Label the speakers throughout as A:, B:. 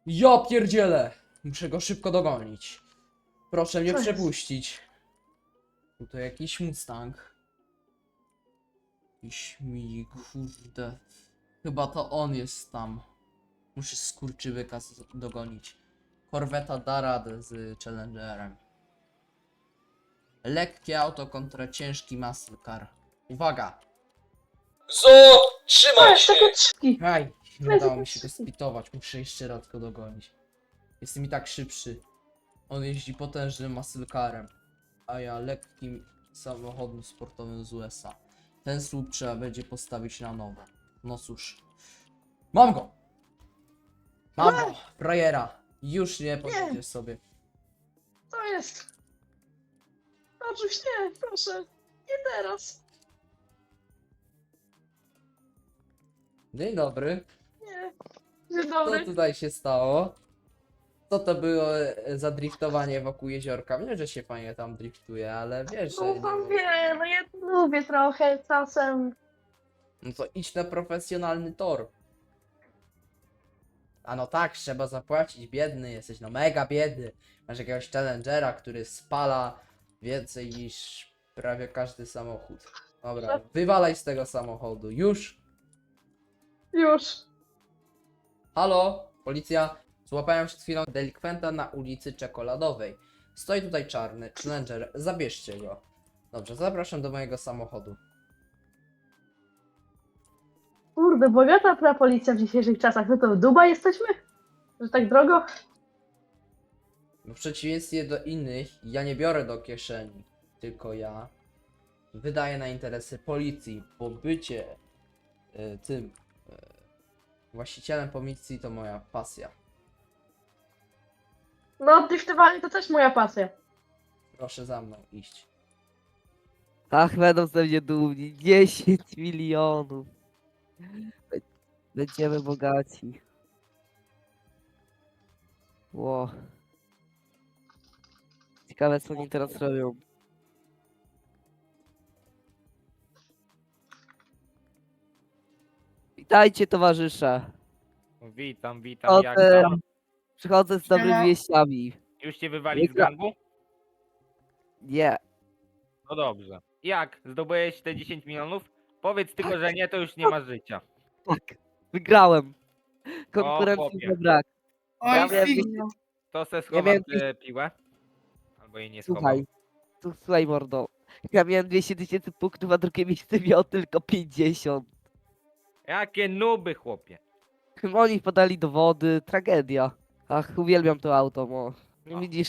A: Ja pierdzielę! Muszę go szybko dogonić. Proszę mnie
B: Co jest?
A: przepuścić. To jakiś Mustang. Jakiś mi, kurde. Chyba to on jest tam. Muszę skurczybyka dogonić. Korweta da radę z Challengerem. Lekkie auto kontra ciężki muscle car. Uwaga!
C: Zo! Trzymaj
B: jest
C: się!
B: takie trzki.
A: Hej! Nie
B: Weź
A: udało mi
B: jakieś
A: się go
B: szybki.
A: spitować. Muszę jeszcze raz go dogonić. Jestem i tak szybszy. On jeździ potężnym muscle carem, a ja lekkim samochodem sportowym z USA. Ten słup trzeba będzie postawić na nowo. No cóż. Mam go! Mam go! Frajera! Już nie podjedziesz sobie.
B: To jest. Oczywiście, proszę. Nie teraz.
A: Dzień dobry.
B: Nie. Dzień
A: Co
B: dobry.
A: tutaj się stało? Co to było za driftowanie wokół jeziorka? Wiem, że się fajnie tam driftuje, ale wiesz, że
B: No
A: nie
B: pan
A: mów.
B: wie, no ja lubię trochę czasem.
A: No to idź na profesjonalny tor. A no tak, trzeba zapłacić, biedny jesteś, no mega biedny. Masz jakiegoś challengera, który spala więcej niż prawie każdy samochód. Dobra, wywalaj z tego samochodu, już!
B: Już.
A: Halo, policja, złapałem przed chwilą delikwenta na ulicy Czekoladowej. Stoi tutaj czarny, challenger, zabierzcie go. Dobrze, zapraszam do mojego samochodu.
B: Kurde, bogata ta policja w dzisiejszych czasach. No to w Dubaj jesteśmy? Że tak drogo?
A: W przeciwieństwie do innych, ja nie biorę do kieszeni, tylko ja wydaję na interesy policji, bo bycie tym właścicielem policji to moja pasja.
B: No, driftowanie to też moja pasja.
A: Proszę za mną iść.
D: Ach, będą ze mnie dumni. 10 milionów. Będziemy bogaci. Ło. Ciekawe, co oni teraz robią. Witajcie, towarzysze.
E: Witam, witam, jak
D: Chodzę,
E: tam?
D: przychodzę z dobrymi wieściami.
E: Już cię wywali z gangu?
D: Nie.
E: No dobrze. Jak? Zdobyłeś te 10 milionów? Powiedz tylko, że nie, to już nie masz życia.
D: Tak. Wygrałem.
E: O,
D: Konkurencji
E: chłopie.
D: nie brak.
B: Oj,
D: Ja miałem
B: figno.
E: To se
D: Ja
E: schowam
D: miałem
E: tę piłę. Albo jej nie schowam.
D: Słuchaj. Słuchaj, mordo. Ja miałem 200 tysięcy punktów, a drugie miejsce miało tylko 50.
E: Jakie nuby, chłopie.
D: Oni podali dowody, tragedia. Ach, uwielbiam to auto, mo.
E: O.
D: Widzisz,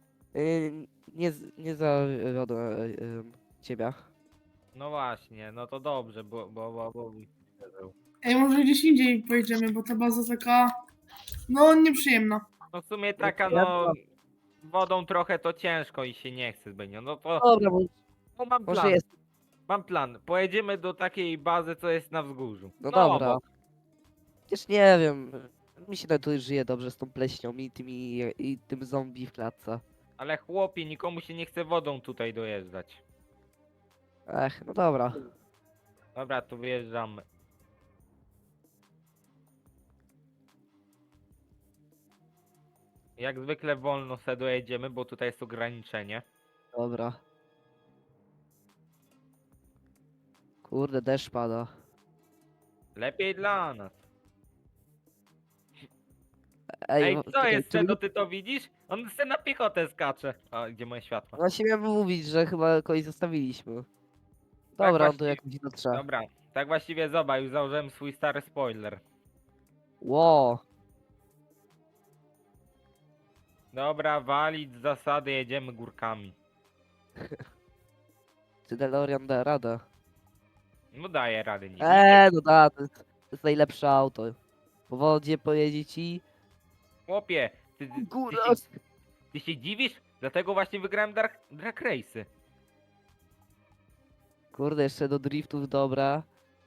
D: nie zawiodłem ciebie.
E: No właśnie, no to dobrze, bo...
F: Ej, może gdzieś indziej pojedziemy, bo ta baza taka, no, nieprzyjemna.
E: No w sumie taka,
D: Ja
E: no... Wodą trochę to ciężko i się nie chce zbytnio. No to...
D: Dobra,
E: No mam
D: może
E: plan,
D: jest.
E: mam plan. Pojedziemy do takiej bazy, co jest na wzgórzu.
D: No dobra.
E: obok.
D: Przecież nie wiem. Mi się tu żyje dobrze z tą pleśnią i tym zombie w klatce.
E: Ale chłopie, nikomu się nie chce wodą tutaj dojeżdżać.
D: Ech, no dobra.
E: Dobra, to wyjeżdżamy. Jak zwykle wolno se dojedziemy, bo tutaj jest ograniczenie.
D: Dobra. Kurde, deszcz pada.
E: Lepiej dla nas.
D: Ej,
E: Ej, co
D: czekaj,
E: jest,
D: czy
E: Cedo, ty to widzisz? On se na piechotę skacze. A, gdzie moje światła?
D: Właśnie miałem mówić, że chyba kogoś zostawiliśmy. Dobra, on tu
E: właściwie-
D: jakoś dotrze.
E: Dobra, tak właściwie zobacz, już założyłem swój stary spoiler.
D: Ło.
E: Dobra, walić z zasady, jedziemy górkami.
D: Czy DeLorean da radę?
E: No daję rady, nie.
D: No da, to jest najlepsze auto. Po wodzie pojedzie ci.
E: Chłopie,
D: Góra.
E: ty się dziwisz? Dlatego właśnie wygrałem Drag Race'y.
D: Kurde, jeszcze do driftów, dobra.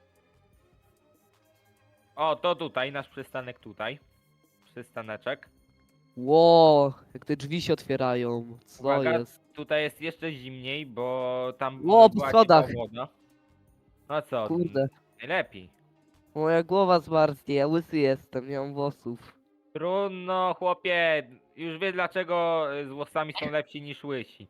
E: O, to tutaj, nasz przystanek tutaj. Przystaneczek.
D: Ło, jak te drzwi się otwierają. Co
E: Uwaga,
D: jest?
E: tutaj jest jeszcze zimniej, bo tam
D: Ło, po
E: była
D: schodach.
E: ciepła woda. No co?
D: Kurde.
E: Najlepiej.
D: Moja głowa zmarznie, ja łysy jestem, nie mam włosów.
E: Trudno, chłopie. Już wie dlaczego z włosami są lepsi niż łysi.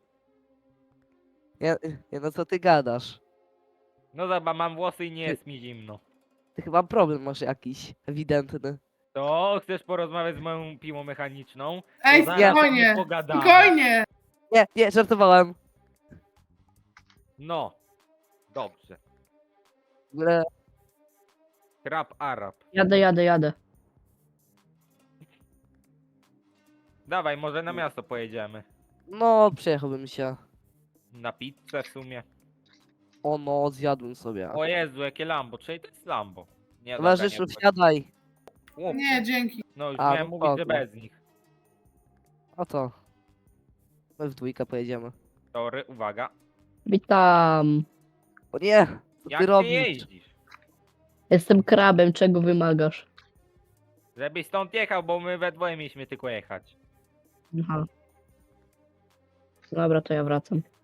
D: No co ty gadasz?
E: No zobacz, mam włosy i nie jest mi zimno.
D: Ty chyba problem masz jakiś, ewidentny.
E: To chcesz porozmawiać z moją piłą mechaniczną?
F: Ej,
E: To zaraz
F: spokojnie,
E: sobie pogadamy.
F: spokojnie.
D: Nie, żartowałem.
E: No. Dobrze.
D: W ogóle
E: Krab Arab.
B: Jadę.
E: Dawaj, może na miasto pojedziemy.
D: no, przejechałbym się.
E: Na pizzę w sumie.
D: O no, zjadłem sobie.
E: O Jezu, jakie Lambo. Czyli to jest Lambo. Nie, dobra,
D: Towarzyszu,
E: nie wchodź.
D: wsiadaj.
E: Chłopie.
F: Nie, dzięki.
E: No już
D: A,
E: miałem
D: no
E: mówić, że
D: spoko.
E: bez nich.
D: O to. My w dwójkę pojedziemy.
E: Tory, uwaga.
B: Witam.
D: O nie! Co
E: Jak
D: ty
E: ty
D: robisz?
E: jeździsz?
B: Jestem krabem, czego wymagasz?
E: Żebyś stąd jechał, bo my we dwoje mieliśmy tylko jechać.
B: Aha. Dobra, to ja wracam.